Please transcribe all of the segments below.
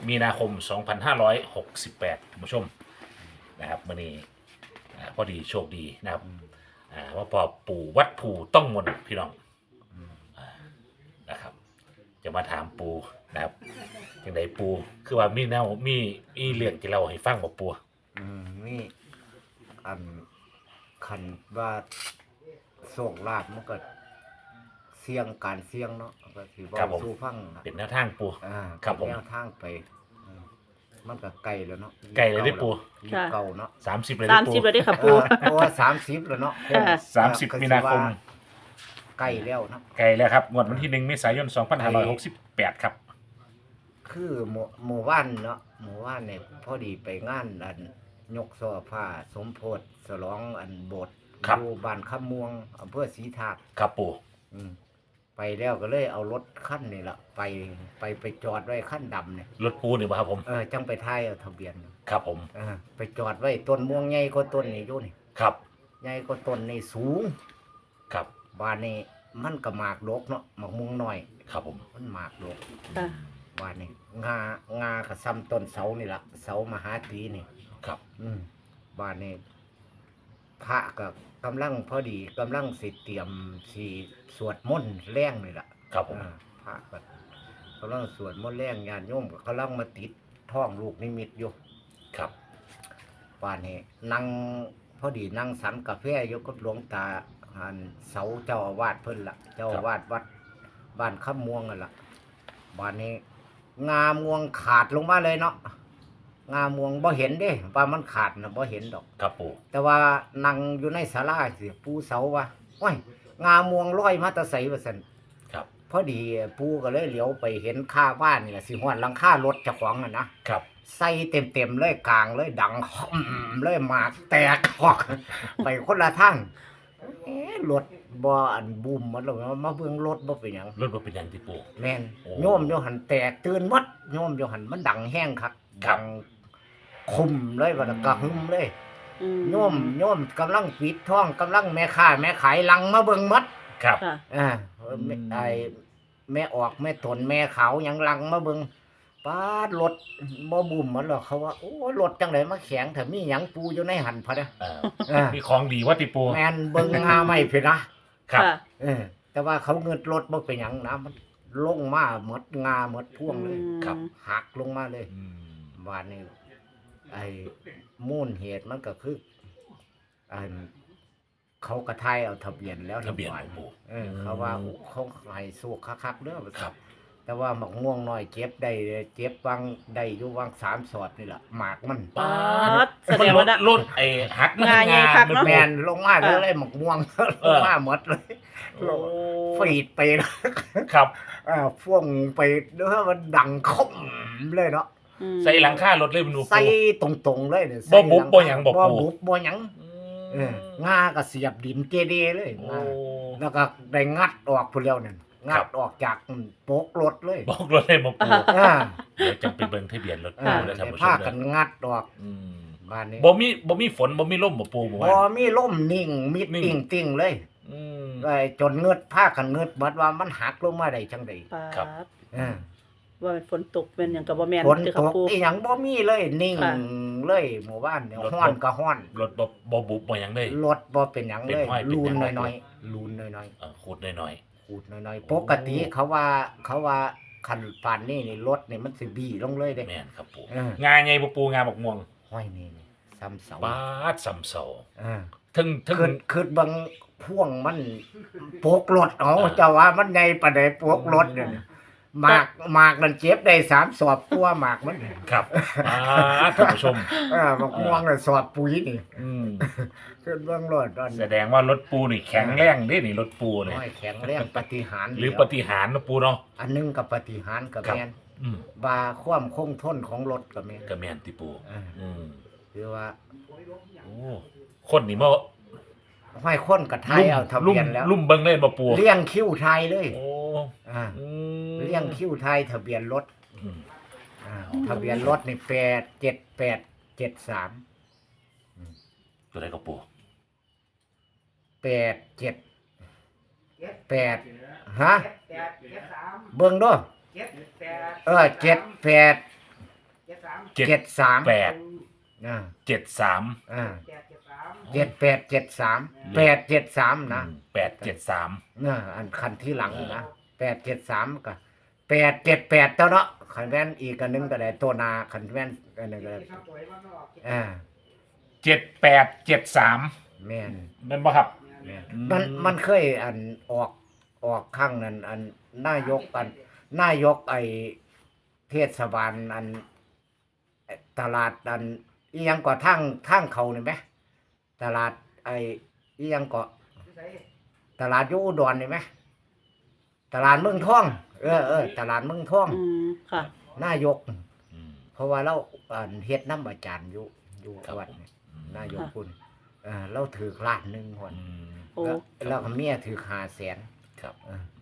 มีนาคม 2568ท่านผู้ชมนะครับมื้อนี้พอดีโชคดีนะครับว่าพอปู่วัดภูต้องมนต์พี่น้องนะครับจะมาถามปู่นะครับจังไดปู่คือว่ามีแนวมีเรื่องที่เราให้ฟังบ่ปู่นี่อันคันว่าโชคลาภมันก็เสี่ยงการเสี่ยงเนาะก็สิบ่สู้ฟังเป็นแนวทางปู่ครับผมแนวทางไปมันก็ไกลแล้วเนาะไกลเลยเด้ปู่เก่าเนาะ 30เลยเด้ปู่ 30เลยเด้ค่ะปู่เพราะว่า30แล้วเนาะ 30มีนาคมใกล้แล้วเนาะไกลแล้วครับงวดวันที่1เมษายน2568ครับคือหมู่บ้านเนาะหมู่บ้านเนี่ยพอดีไปงานอันยกช่อผ้าสมโพธิฉลองอันโบสถ์อยู่บ้านคำม่วงอำเภอศรีธาตุครับปู่ไปแล้วก็เลยเอารถคันนี่ล่ะไปจอดไว้คันดำเนี่ยรถปูนี่บ่ครับผมจังไปถ่ายเอาทะเบียนครับผมไปจอดไว้ต้นม่วงใหญ่กว่าต้นนี่อยู่นี่ครับใหญ่กว่าต้นนี่สูงครับบ้านนี้มันก็หมากดกเนาะหมากม่วงน้อยครับผมมันหมากดกบ้านนี้งาก็ซ้ำต้นเสานี่ล่ะเสามหาตีนี่ครับบ้านนี้พระก็กำลังพอดีกำลังสิเตรียมสิสวดมนต์แรงนี่ล่ะครับผมพระก็กำลังสวดมนต์แรงญาติโยมก็กำลังมาติดท้องลูกนิมิตอยู่ครับบ้านนี้นั่งพอดีนั่งสันกาแฟอยู่กับหลวงตาหันเสาเจ้าอาวาสเพิ่นล่ะเจ้าอาวาสวัดบ้านคำม่วงนั่นล่ะบ้านนี้งาม่วงขาดลงมาเลยเนาะงาม่วงบ่เห็นเด้ว่ามันขาดน่ะบ่เห็นดอกครับปู่แต่ว่านั่งอยู่ในศาลาสิปู่เสาว่าโอ้ยงาม่วงลอยมาแตะไสว่าซั่นครับพอดีปู่ก็เลยเหลียวไปเห็นค่าบ้านนี่ล่ะสิฮอดหลังคารถเจ้าของน่ะนะครับใส่เต็มๆเลยกลางเลยดังเลยหมากแตกออกไปคนละทางรถบ่อันบูมมันแล้วมาเบิ่งรถบ่เป็นหยังรถบ่เป็นหยังที่ปู่แม่นโยมอยู่หั่นแตกตื่นหมดโยมอยู่หั่นมันดังแห้งคักดังคุมเลยว่าก็หึมเลยโยมกำลังปิดท้องกำลังแม่ค้าแม่ขายลังมาเบิ่งหมดครับไอ้แม่ออกแม่ตนแม่ขาวหยังลังมาเบิ่งปาดรถบ่บุ่มมันหรอกเขาว่าโอ้รถจังได๋มาแข็งถ้ามีหยังปูอยู่ในหันพะเด้อมีของดีว่าติปูแม่นเบิ่งงาไม่เพิ่นนะครับแต่ว่าเขาเงินรถบ่เป็นหยังนะมันลงมาหมดงาหมดพ่วงเลยครับหักลงมาเลยบ้านนี้ไอ้มูลเหตุมันก็คือเขากระทายเอาทะเบียนแล้วทะเบียนปู่เขาว่าเขาให้สู้คักๆเด้อครับแต่ว่าหมากม่วงน้อยเจ็บได้เจ็บวางได้อยู่วาง3 สอดนี่ล่ะหมากมันป๊าดแสดงว่ารถไอ้หักงาใหญ่คักเนาะแม่นลงมาเลยหมากม่วงลงมาหมดเลยฟีดไปครับพ่วงไปเด้อมันดังคมเลยเนาะใส่หลังคารถเลยมันใส่ตรงๆเลยเนี่ยบ่บุบบ่หยังบ่บุบบ่หยังงาก็เสียบดินเกเรเลยแล้วก็ได้งัดออกพุ่นแล้วนั่นงัดออกจากโปกรถเลยโปกรถเลยบ่ปู่เดี๋ยวจังไปเบิ่งทะเบียนรถปู่แล้วท่านผู้ชมพากันงัดออกบ้านนี้บ่มีฝนบ่มีลมบ่ปู่บ่มีลมนิ่งมิดติ่งเลยจนเงือดพากันเงือดหมดว่ามันหักลงมาได้จังได๋ครับว่าฝนตกเป็นหยังก็บ่แม่นคือครับปู่อีหยังบ่มีเลยนิ่งเลยหมู่บ้านเนี่ยฮ้อนก็ฮ้อนรถบ่บุบบ่หยังเลยรถบ่เป็นหยังเลยลูนน้อยๆลูนน้อยๆขูดน้อยๆขูดน้อยๆปกติเขาว่าคันปานนี้นี่รถนี่มันสิบี้ลงเลยเด้แม่นครับปู่งาใหญ่บ่ปู่งาบักม่วงห้อยนี่ซ้ำเสาปาดซ้ำเสาถึงคือบังพ่วงมันโปกรถเอาเจ้าว่ามันใหญ่ปานใดโปกรถเนี่ยหมากมันเจ็บได้3 สอบตัวหมากมันครับท่านผู้ชมบักม่วงน่ะสอบปุ๋ยนี่ขึ้นเบิ่งรถแสดงว่ารถปูนี่แข็งแรงเด้นี่รถปูนี่แข็งแรงปฏิหารย์หรือปฏิหารย์นะปูเนาะอันนึงกับปฏิหารย์กับแม่นบาความคงทนของรถกับแม่นติปูคือว่าโอ้คนนี่บ่ห้อยคนกับไทยเอาทะเบียนแล้วลุ่มเบิ่งเล่นบ่ปูเลี้ยงคิ้วไทยเลยโอ้เลี้ยงคิ้วไทยทะเบียนรถทะเบียนรถนี่87873 ตัวใดก็ปู 878ฮะเบิ่งดู78 73 8 อ่า 73 อ่า7873 873นะ 873 อันคันที่หลังนะ873ก็878เจ้าเนาะคันแม่นอีกอันหนึงก็ได้ตัวนาคันแม่นอันนึงก็ได้อ่า 7873 แม่นนั่นบ่ครับแม่นอืมมันเคยอันออกข้างนั้นอันนายกไอเทศบาลอันตลาดอันอีหยังก็ทางเขานี่ไหมตลาดไออีหยังก็ตลาดอยู่อุดรนี่ไหมตลาดเมืองทองตลาดเมืองทองค่ะนายกอืมเพราะว่าเราอันเฮ็ดน้ำอาจารย์อยู่ครับวัดนี่อืมนายกคุณเราถือล้านหนึงคนอืมโอ้แล้วก็เมียถือ500,000 ครับ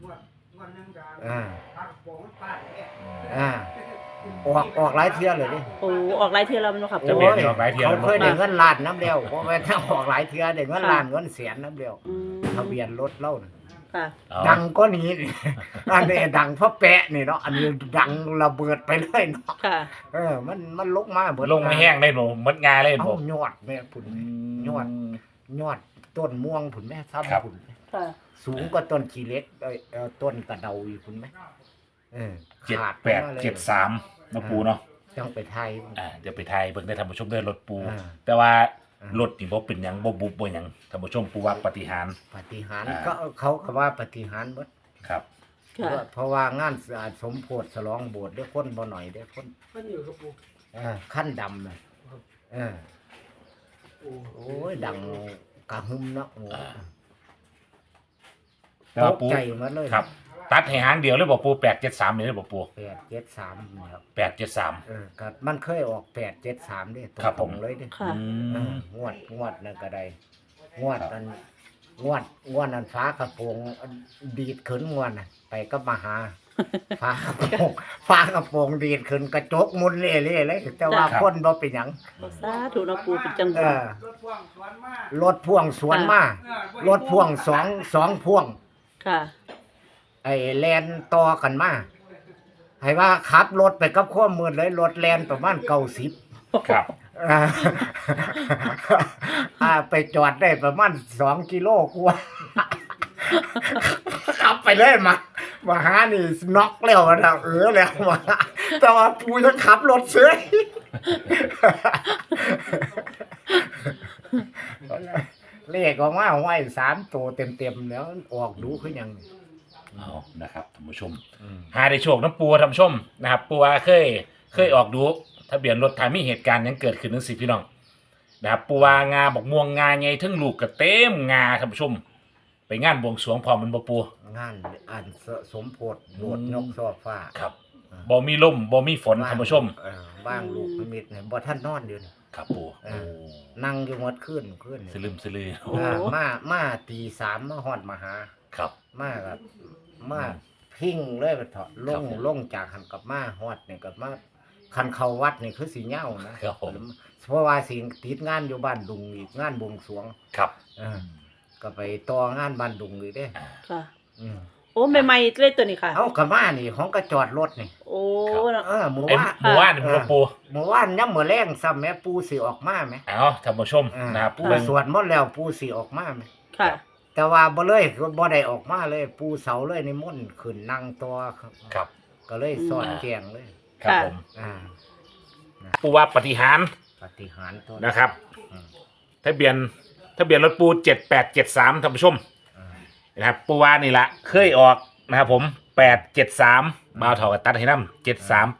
ออกหลายเที่ยเลยดิโอ้ออกหลายเที่ยแล้วมันบ่ครับจะโอ้เปลี่ยนยออกหลายเที่ยเขาแล้วเคยได้เงินล้านน้ำเดียวเพราะว่าถ้าออกหลายเที่ยได้เงินล้านเงินแสนน้ำเดียวอืมทะเบียนรถเล่าน่ะค่ะเอาดังก็นี้นี่ อันนี้ดังเพราะแปะนี่เนาะอันนี้ดังระเบิดไปเลยเนาะค่ะมันลุกมาเบิดลงไม่แห้งได้หนูมดงาเลยเอ้าผมยอดแม่พุ่นยอดต้นม่วงพุ่นแม่ครับซ้ำพุ่นค่ะสูงกว่าต้นขี้เหล็กต้นกระเดาอีกพุ่นไหมขาดไปมาเลย 7873นะปูเนาะต้องไปไทยเดี๋ยวไปไทยเบิ่งได้ท่านผู้ชมได้รถปูอ่าแต่ว่าอ่ารถนี่บ่เป็นหยังบ่บุบบ่หยังท่านผู้ชมปูว่าปาฏิหารย์ปฏิหารย์อ่าก็เขาก็ว่าปฏิหารย์หมดครับค่ะเพราะว่างานสมโพธิฉลองโบสถ์ได้คนบ่หน่อยได้คนขั้นดำน่ะโอ้ยดังกระหึ่มเนาะโอ้แต่ตว่าก ปูใจหมาเลยครับ ตัดให้หางเดียวเลยบ่ปู873นี่เลยบ่ปู 873ครับ 873 ครับมันเคยออก873เด้ตครับผรมงๆเลยเด้ค่ะงวดนั่นก็ได้งวดนั้นงวดนั้นฟ้ากระโปรงดีดขึ้นงวดน่ะไปก็มาหา ฟ้ากระโปรงดีดขึ้นกระจกมุนเละๆเลยแต่ว่าครับคนบ่เป็นหยังสาธุเนาะปูเป็นจังหเอวะอรถพ่วงสวนมารถพ่วงสองพ่วงค่ะไอ้แลนต่อกันมาให้ว่าขับรถไปกับข้อมือเลยรถแลนประมาณ90 ครับไปจอดได้ประมาณ2 กิโลกว่า ขับไปเลยมาหานี่น็อกแล้วนะแล้วมาแต่ว่าปูยังขับรถเฉย เลขออกมาไว้3 ตัวเต็มๆแล้วออกดูคือหยังนี่เอานะครับท่านผู้ชม หาได้โชคน้ำปูท่านผู้ชมนะครับปูว่าเคยออกดูทะเบียนรถถ้ามีเหตุการณ์หยังเกิดขึ้นจังซี่พี่น้องนะครับปูว่างาบอกม่วงงาใหญ่ทั้งลูกก็เต็มงาท่านผู้ชม ไปงานบวงสรวงพร้อมมันบ่ปูงานอันสมโพธิโบสถ์ยกซอฟ้าครับบ่มีลมบ่มีฝนท่านผู้ชมบ้างลูกนิมิตเนี่ยบ่ท่านนอนอยู่นี่ครับปูเออ นั่งอยู่หมดขึ้นสลืมสลือโอ้มาตี 3มาฮอดมาหาครับมาพิ้งเลยไปเถาะลงจากหันกับมาฮอดนี่กับมาคันเข้าวัดนี่คือสิเหย้านะครับผมเพราะว่าสิติดงานอยู่บ้านดุงอีกงานบวงสรวงครับก็ไปต่องานบ้านดุงอีกเด้ค่ะอืมโอ้ใหม่ๆเลยตัวนี้ค่ะเอากระมานี่ของก็จอดรถนี่โอ้เนาะหมู่เอ็มว่าหมู่บ้านนี่บ่ปูหมู่ว่านย่ำมื้อแรงซ้ำแม่ปูสิออกมาแม่เอาท่านผู้ชมนะครับปูเบิ่งสวดหมดแล้วปูสิออกมาแม่ค่ะแต่ว่าบ่เลยบ่ได้ออกมาเลย ปูเสาเลยนิมนต์ขึ้นนั่งตัวครับก็เลยสอนแจงเลยครับค่ะผมอ่าปูว่าปฏิหารย์ปฏิหารย์ตัวนะครับอืมทะเบียนรถปู7873ท่านผู้ชมอ่านะครับปูวานี่ละเคยออกนะครับผม873บ่าวเท่ากับตัดให้นำ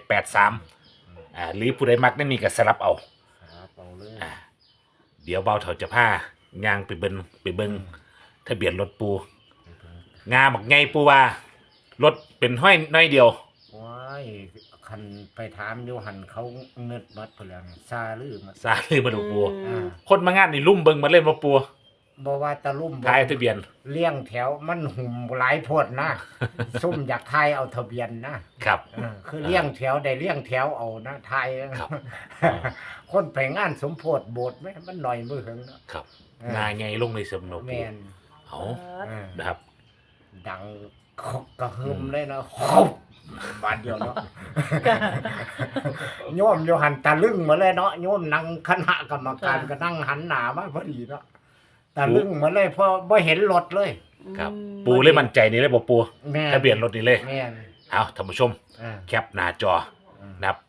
738783หรือผู้ใดมักได้มีก็สลับเอาครับเอาเลยอ่าเดี๋ยวบ่าวเท่าจะพาย่างไปเบิ่งทะเบียนรถปูงาบักไงปูว่ารถเป็นห้อยน้อยเดียวว้ายคันไปถามอยู่หันเขาเงิดมัดพุ่นแล้วนี่ซาลือมาสาลือมาดูปูอืมคนมางานนี่ลุ่มเบิ่งมาเล่นมาปูบ่ว่าตะลุ่มบ่ทายทะเบียนเลี้ยงแถวมันหุ่มหลายโพดนะ ซุ่มอยากทายเอาทะเบียนนะครับ คือเลี้ยงแถวได้เลี้ยงแถวเอานะทายนะครับ คนไปงานสมโพธิโบสถ์ไหมมันหน่อยมือหึงเนาะครับเอองาไงลงในสมนแมปูนเอาเออนะครับดังกระหึ่มเลยนะคบบาทเดียวเนาะ โยมโยหันตะลึงมาเลยเนาะโยมนั่งคณะกรรมการก็นั่งหันหน้ามาพอดีเนาะตะลึงมาเลยเพราะบ่เห็นรถเลยครับปูเลยมั่นใจนี่เลยบ่ปูแม่ทะเบียนรถนี่เลยแม่นเอาท่านผู้ชมอ่าแคปหน้าจอนะครับ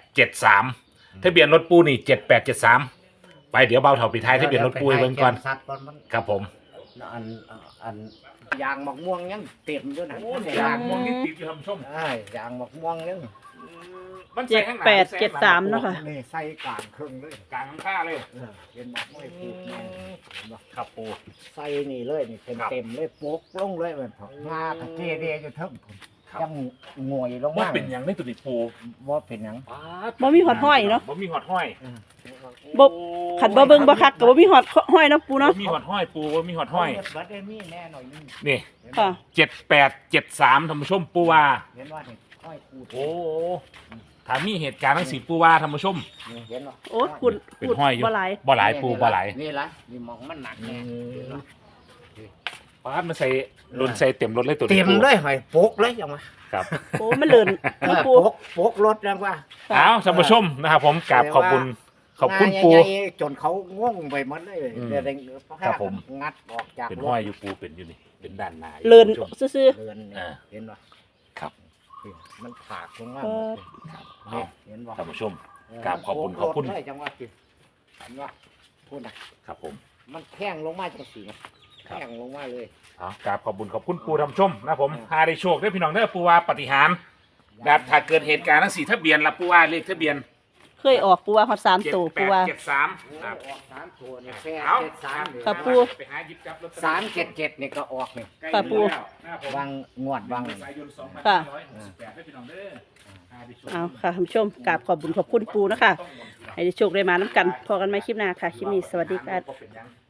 873ทะเบียนรถปูนี่7873ไปเดี๋ยวเบาเท่าปิดท้ายทะเบียนรถปูให้เบิ่งก่อนสัตว์ก่อนมันครับผมอันยางมะม่วงยังเต็มอยู่นะยางม่วงนี่ติดอยู่ท่านผู้ชมยางมะม่วงยังมันเจ็ใส่ดข้างหน้าแปดเจ็ดสามเนาะค่ะนี่ใส่กลางครึ่งเลยกลางข้างเลยเห็นบ่ไม่ปลูกมันเห็นบ่ครับปูใส่นี่เลยนี่เต็มครับเต็มเลยโปกลงเลยมันงาตะเกเรอยู่เทั้งครับยังงวยลงว่ามาเป็นหยังไม่ตัวนี้ปูว่าเป็นหยังบ่มีหอดห้อยเนาะบ่มีหอดห้อยบ่ขันบ่เบิ่งบ่คักก็บ่มีหอดห้อยเนาะปูเนาะบ่มีหอดห้อยปูบ่มีหอดห้อยบัดเดมี่แน่หน่อยนึงนี่เห็นค่ะ 7873ท่านผู้ชมปูว่าเห็นว่านี่ห้อยคูดโอ้ถ้ามีเหตุการณ์ทั้งสี่ปูว่าท่านผู้ชมนี่เห็นบ่โอ้ยคุณเป็นห้อยอยู่บ่หลายบ่หลายปูบ่หลายนี่ละนี่มองมันหนักแน่เห็นบ่ปาดมาใส่ลุนใส่เต็มรถเลยตัวนี้เต็มปูเลยหอยโปกเลยจังวะครับโอ้มันเลินเอเนาะอปูโปกรถจังวะเอาท่านผู้ชมนะครับผมกราบขอบคุณขอบคุณปูงาใหญ่ๆจนเขาง่วงไปหมดเลยอืมเดี๋ยวครับผมงัดออกจากเป็นรถห้อยอยู่ปูเป็นอยู่นี่เป็นด้านหน้าอยู่เลินท่านผู้ชมซื่อเรือนเนี่ยอ่าเห็นป่ะครับมันผากลงมาเออครับเนี่เอายเห็นป่ะท่านผู้ชม กราบขอบคุณขอบคุณโรถเลยจังหวะสิเห็นป่ะพูดนะครับผมมันแข้งลงมาจังสีนะครัแข้บงลงมาเลยเอากราบขอบคุณขอบคุณปูท่านผู้ชมนะครับผมหาได้โชคได้พี่น้องเด้อปูว่าปฏิหารย์นะครับถ้าเกิดเหตุการณ์ทั้งสี่ทะเบียนละปูว่าเลขทะเบียนๆเคยออกปูว่าฮอด3ตัวปูว่า 7873ครับออกสามตัวเนี่ยแค่เอา 73เนี่ยครับปูไปหาหยิบจับลอตตอรี่ 377เนี่ยก็ออกเนี่ยใกล้ครับปูแล้วนะครับผมวางงวดวางเมษายนค่ะ 2568ได้พี่น้องเด้อหาได้โชคเอาค่ะท่านผู้ชมกราบขอบคุณขอบคุณปูนะคะให้ได้โชคได้มาน้ำกันพอกันไหมคลิปหน้าค่ะคลิปนี้สวัสดีค่ะบ่เป็นหยัง